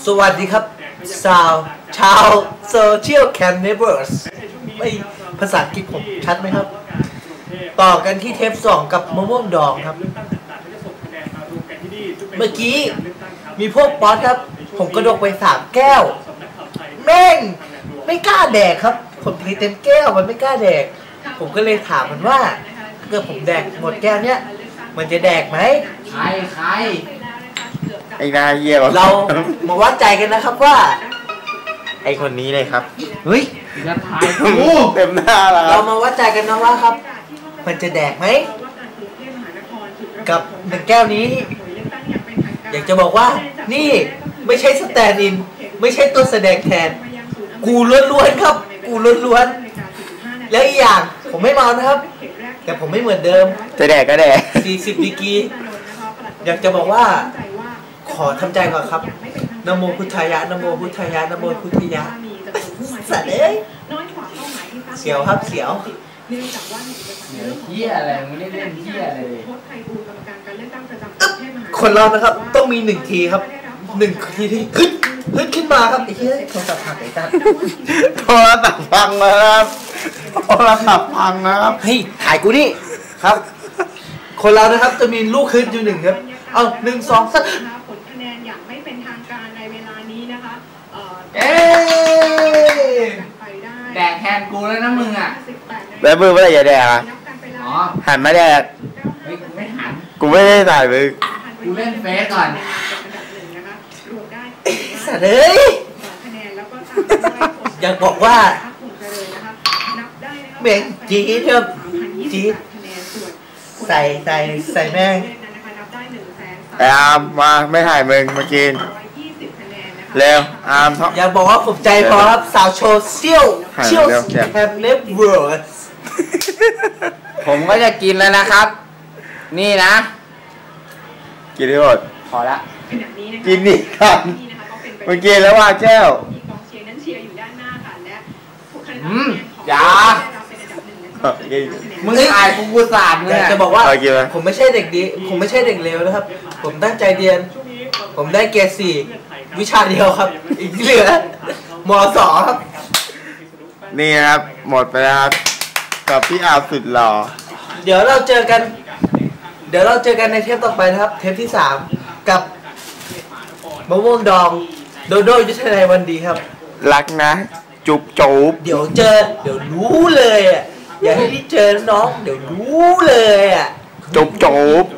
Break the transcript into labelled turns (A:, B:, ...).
A: สวัสดีครับชาวโซเชียลแคมเนเบอร์สไม่ภาษาอังกฤษผมชัดไหมครับต่อกันที่เทป2กับมะม่วงดองครับเมื่อกี้มีพวกป๊อตครับผมกระดกไป3แก้วแม่งไม่กล้าแดกครับผมทีเต็มแก้วมันไม่กล้าแดกผมก็เลยถามมันว่าเกิดผมแดกหมดแก้วเนี้ยมันจะแดกไหม
B: ใครไอ้นายเยี่ยม
A: เรามาวัดใจกันนะครับว่า
B: ไอ้คนนี้เลยครับ
A: เฮ้ย
B: จะถ่ายเต็มหน้าแล้ว
A: เรามาวัดใจกันนะว่าครับมันจะแดกไหมกับ1แก้วนี้อยากจะบอกว่านี่ไม่ใช่สแตนด์อินไม่ใช่ตัวแสดงแทนกูล้วนๆครับกูล้วนๆแล้วอีกอย่างผมไม่เมานะครับแต่ผมไม่เหมือนเดิม
B: จะแดกก็แดก
A: 40ดีกรีอยากจะบอกว่าขอทำใจก่อนครับนะโมพุทธายะนะโมพุทธายะนะโมพุทธายะสัตว์เอ้ยเสียวครับเสียว
B: เหี้ยอะไรมึงเล่นเหี้ยอะไร
A: คนเรานะครับต้องมี1ทีครับ1ทีที่ฮึดขึ้นมาครับไอ้เหี้ยโทรศัพท์พังไอ้ตั้น
B: โทรศัพท์พังนะครับโทรศัพท์พังนะครับ
A: เฮ้ยถ่ายกูนี่ครับคนเรานะครับจะมีลูกฮึดอยู่1ครับเอา1 2 3ผลคะแนนอย่างไม่เป็นทางการในเวลานี้นะคะ
B: แดกแทนกูแล้วนะมึงอ่ะแล้วมึงเมื่อไหร่จะแดกอ่ะอ๋อหันมาแดกกูไม่หันกูไม่ได้ถ่ายมึงกูเล่นเฟซก่อน
A: สัตว์เอ้ยอยากบอกว่าเบ่งจี๊ดครับจี๊ดใส่แม่ง
B: อาร์มมาไม่ถ่ายมึงมากินเร็วอาร์ม
A: อยากบอกว่าผมใจพอครับสาวโชว์เซี่ยวแคมเนฟเวิร์ส
B: ผมก็จะกินแล้วนะครับนี่นะกินได้หมดพอละกินนี่กันเมื่อกี้แล้วว่าแก้วอย่ามึงถ่ายกูสาดเลย
A: จะบอกว่าผมไม่ใช่เด็กดีผมไม่ใช่เด็กเลวนะครับผมตั้งใจเรียนผมได้เกรด4วิชาเดียวครับอีกที่เหลือม.2 ครับ
B: นี่ครับหมดไปแล้วครับกับพี่อาสุดหล่อ
A: เดี๋ยวเราเจอกันในเทปต่อไปนะครับเทปที่3กับมะม่วงดองโดโดยุทธนายวันดีครับ
B: รักนะจุบ
A: เดี๋ยวรู้เลยอ่ะอย่าให้ที่เจอน้องเดี๋ยวรู้เลยอ่ะ
B: จุบ